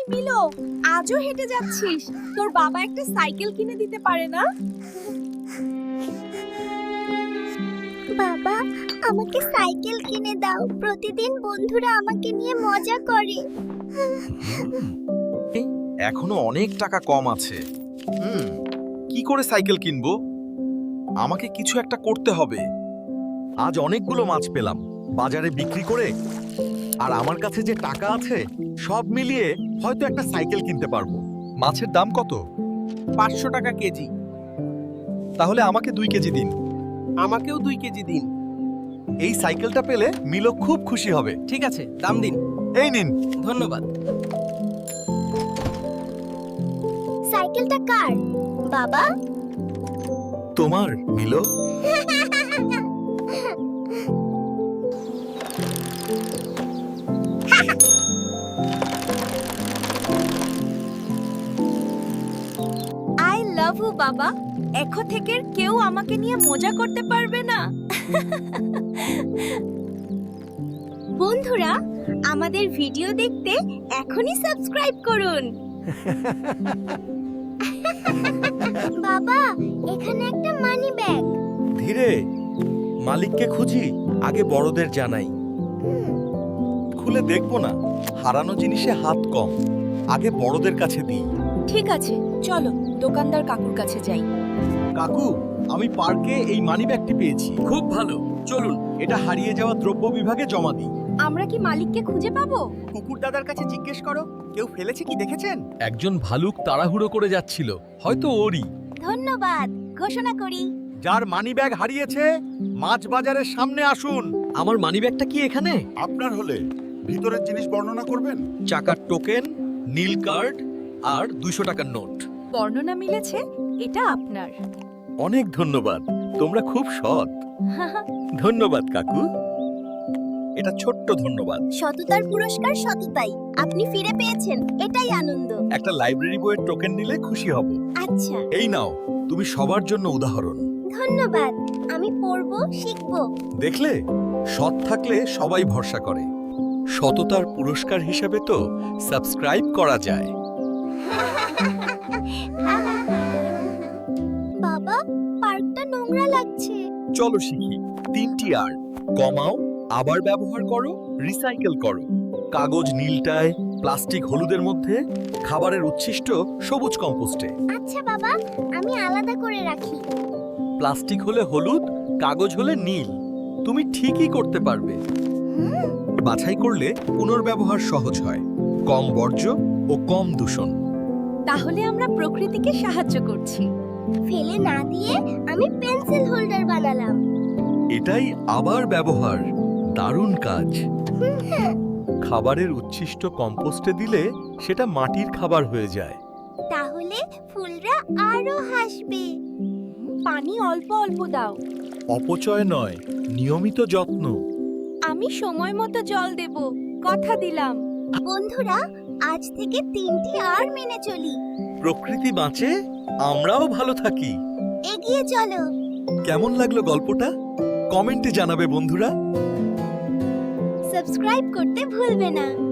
মিলো, আজও হেঁটে যাচ্ছিস? তোর বাবা একটা সাইকেল কিনে দিতে পারে না? বাবা, আমাকে সাইকেল কিনে দাও। প্রতিদিন বন্ধুরা আমাকে নিয়ে মজা করে। এখনো অনেক টাকা কম আছে। কি করে সাইকেল কিনবো? আমাকে কিছু একটা করতে হবে। আজ অনেকগুলো মাছ পেলাম বাজারে বিক্রি করে, আর আমার কাছে যে টাকা আছে সব মিলিয়ে হয়তো একটা সাইকেল কিনতে পারবো। মাছের দাম কত? 500 টাকা কেজি। তাহলে আমাকে 2 কেজি দিন। আমাকেও 2 কেজি দিন। এই সাইকেলটা পেলে মিলো খুব খুশি হবে। ঠিক আছে, দাম দিন। এই নিন। ধন্যবাদ। সাইকেলটা কার বাবা? তোমার মিলো। আই লাভ ইউ বাবা। এখন থেকে কেউ আমাকে নিয়ে মজা করতে পারবে না। বন্ধুরা, আমাদের ভিডিও দেখতে এখনই সাবস্ক্রাইব করুন। বাবা, এখানে একটা মানি ব্যাগ। ধীরে, মালিককে খুঁজি, আগে বড়দের জানাই। খুলে দেখবো না, হারানো জিনিসে হাত কম, আগে বড়দের কাছে দিই। ঠিক আছে, চলো দোকানদার কাকুর কাছে যাই। কাকু, আমি পার্কে এই মানিব্যাগটি পেয়েছি। খুব ভালো, চলুন। এটা হারিয়ে যাওয়া দ্রব্য বিভাগে জমা দিই। আমরা কি মালিককে খুঁজে পাবো? কুকুর দাদার কাছে জিজ্ঞেস করো, কেউ ফেলেছে কি দেখেছেন? একজন ভালুক তাড়াহুড়ো করে যাচ্ছিল, হয়তো ওরই। ধন্যবাদ। ঘোষণা করি, যার মানিব্যাগ হারিয়েছে মাছ বাজারের সামনে আসুন। আমার মানিব্যাগটা কি এখানে? আপনার হলে ভিতরের জিনিস বর্ণনা করবেন। চাকার টোকেন, নীল কার্ড আর 200 টাকার নোট। বর্ণনা মিলেছে, এটা আপনার। অনেক ধন্যবাদ, তোমরা খুব সৎ। ধন্যবাদ কাকু। এটা ছোট্ট ধন্যবাদ। সততার পুরস্কার সততাই। আপনি ফিরে পেয়েছেন, এটাই আনন্দ। একটা লাইব্রেরি বইয়ের টোকেন নিলে খুশি হব। আচ্ছা, এই নাও, তুমি সবার জন্য উদাহরণ। ধন্যবাদ। আমি পড়বো, শিখবো। দেখলে, সৎ থাকলে সবাই ভরসা করে। সততার পুরস্কার হিসেবে তো সাবস্ক্রাইব করা যায়। বাবা, পার্কটা নোংরা লাগছে। চলো শিখি 3টি আর। কমাও, আবার ব্যবহার করো, রিসাইকেল করো। কাগজ নীলটায়, প্লাস্টিক হলুদের মধ্যে, খাবারের উচ্ছিষ্ট সবুজ কম্পোস্টে। আচ্ছা বাবা, আমি আলাদা করে রাখি। প্লাস্টিক হলে হলুদ, কাগজ হলে নীল। তুমি ঠিকই করতে পারবে। বাছাই করলে পুনর্ব্যবহার সহজ হয়, কম বর্জ্য ও কম দূষণ। তাহলে আমরা প্রকৃতিকে সাহায্য করছি। ফেলে না দিয়ে আমি পেন্সিল হোল্ডার বানালাম। এটাই আবার ব্যবহার, দারুণ কাজ। খাবারের উচ্ছিষ্ট কম্পোস্টে দিলে সেটা মাটির খাবার হয়ে যায়। তাহলে ফুলরা আরো হাসবে। পানি অল্প অল্প দাও। অপচয় নয়, নিয়মিত যত্ন। আমি সময় মতো জল দেব, কথা দিলাম। বন্ধুরা, আজ থেকে 3টি আর মেনে চলি। প্রকৃতি বাঁচে, আমরাও ভালো থাকি। এগিয়ে চলো। কেমন লাগলো গল্পটা? কমেন্টে জানাবে বন্ধুরা। সাবস্ক্রাইব করতে ভুলবে না।